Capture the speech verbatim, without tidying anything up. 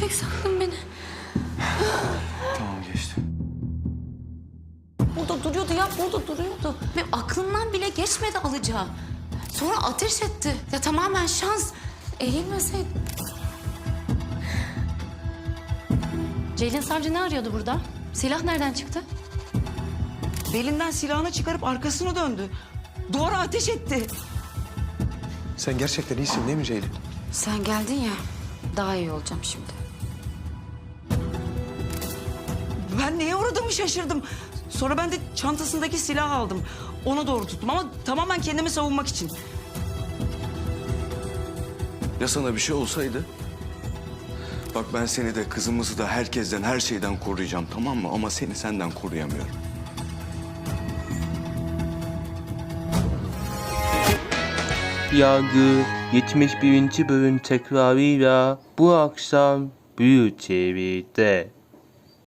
köpek sandın beni. Tamam geçti. Burada duruyordu ya, burada duruyordu. Ve aklından bile geçmedi alacağı. Sonra ateş etti. Ya tamamen şans. Eğilmeseydi. Ceylin Savcı ne arıyordu burada? Silah nereden çıktı? Belinden silahını çıkarıp arkasını döndü. Duvara ateş etti. Sen gerçekten iyisin değil mi Ceylin? Sen geldin ya, daha iyi olacağım şimdi. Ben neye uğradığımı şaşırdım. Sonra ben de çantasındaki silahı aldım. Ona doğru tuttum ama tamamen kendimi savunmak için. Ya sana bir şey olsaydı? Bak ben seni de kızımızı da herkesten, her şeyden koruyacağım, tamam mı? Ama seni senden koruyamıyorum. Yargı yetmiş birinci bölüm tekrarıyla bu akşam Büyük T V'de.